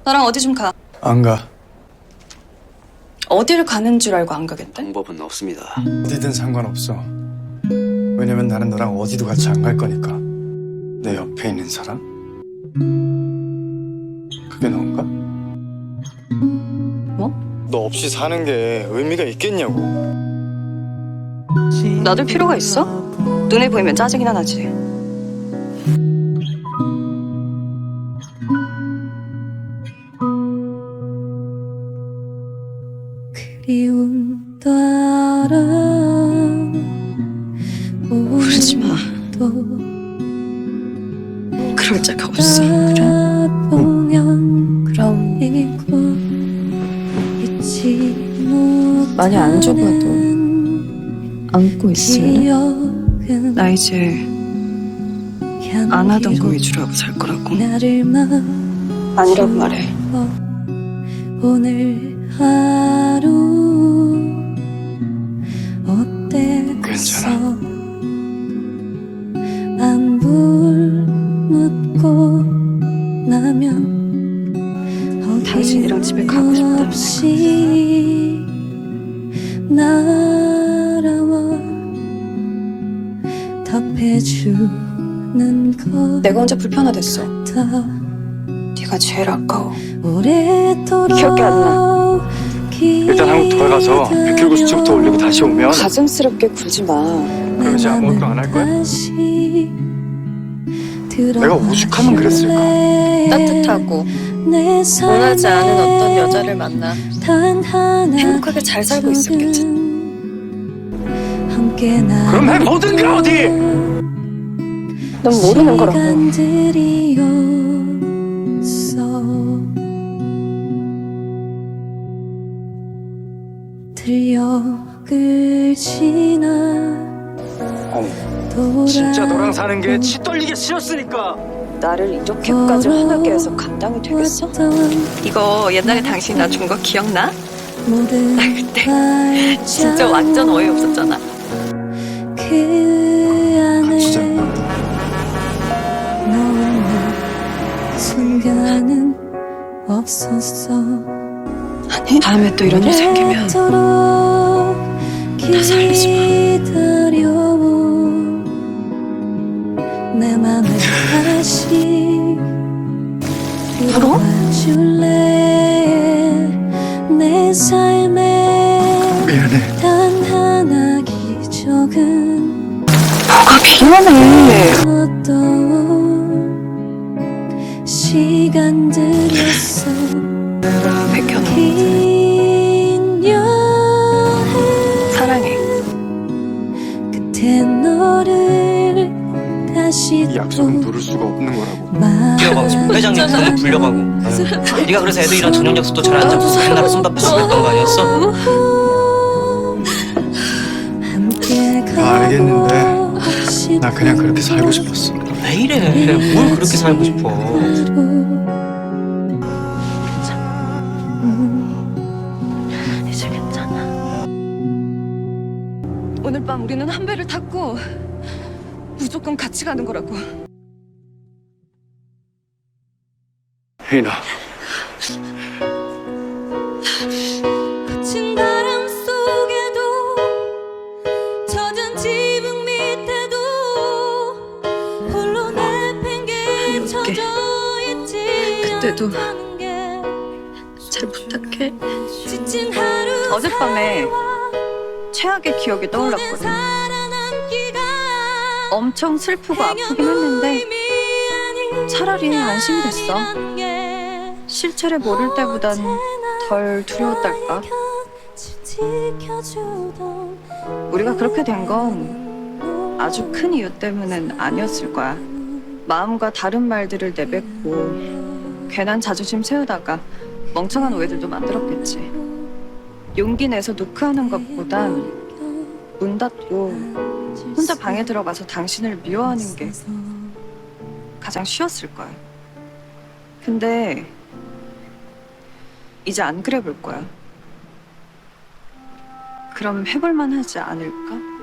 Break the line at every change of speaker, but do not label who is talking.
나랑 어디 좀 가.
안 가.
어디를 가는 줄 알고 안 가겠대?
방법은 없습니다.
어디든 상관없어. 왜냐면 나는 너랑 어디도 같이 안 갈 거니까. 내 옆에 있는 사람? 그게 너인가?
뭐?
너 없이 사는 게 의미가 있겠냐고.
놔둘 필요가 있어? 눈에 보이면 짜증이나 나지.
그리움도 알아.
그러지 마. 그럴 자가 없어. 그래?
그럼
많이 안 좁아도 안고 있을래? 나 이제 안 하던 거 위주로 하고 살 거라고. 아니라고 말해.
오늘 하루 어땠어?
괜찮아.
안부 묻고 나면
당신이랑 집에 가고 싶다는
없이 날아와 답해주는 것
내가 언제 불편하댔어?
같아.
네가 제일 아까워.
오래도록
기억이 안 나.
일단 한국 돌아가서 100kg 수치부터 올리고 다시 오면
가증스럽게 굴지 마.
그럼 이제 아무것도 안 할 거야? 내가 오죽하면 그랬을까?
따뜻하고 원하지 않은 어떤 여자를 만나 행복하게 잘 살고 있었겠지.
그럼 해보든가 어디!
넌 모르는 거라고.
들녘을 지나
아니 진짜 너랑 사는 게 치 떨리게 싫었으니까.
나를 이렇게까지 화나게 해서 감당이 되겠어? 이거 옛날에 당신이 나 준 거 기억나?
나
그때 진짜 완전 어이없었잖아.
진짜
순간은 없었어.
아니 다음에 또 이런 일 생기면
나
살리지
내 맘을 다시
바로?
줄래 내 삶에
미안해.
단 하나 기적은
뭐가 미안해.
어떤 시간들이었어.
백현우
긴 여행
사랑해.
끝에 너를 다시
이 약속은 누를 수가 없는 거라고.
뛰어가고 싶어. 회장님 부르면 불려가고. 네가 그래서 애들이랑 저녁 약속도 잘 안 잡고 맨날 손바쁘시고 했던 거 아니었어?
알겠는데 나 그냥 그렇게 살고 싶었어.
왜 이래? 뭘 그렇게 살고 싶어?
이제 괜찮아. 오늘 밤 우리는 한 배를 탔고 무조건 같이 가는 거라고.
혜인아.
거친 바람 속에도 젖은 지붕 밑에도 홀로 내팽개쳐져 있지
그때도
않다는 게
잘 부탁해.
지친 하루
어젯밤에 최악의 기억이 떠올랐거든.
살아남기가
엄청 슬프고 아프긴 했는데 차라리 안심이 됐어. 실체를 모를 때보단 덜 두려웠달까. 우리가 그렇게 된 건 아주 큰 이유 때문은 아니었을 거야. 마음과 다른 말들을 내뱉고 괜한 자존심 세우다가 멍청한 오해들도 만들었겠지. 용기 내서 노크하는 것보단 문 닫고 혼자 방에 들어가서 당신을 미워하는 게 가장 쉬웠을 거야. 근데 이제 안 그래 볼 거야. 그럼 해볼만 하지 않을까?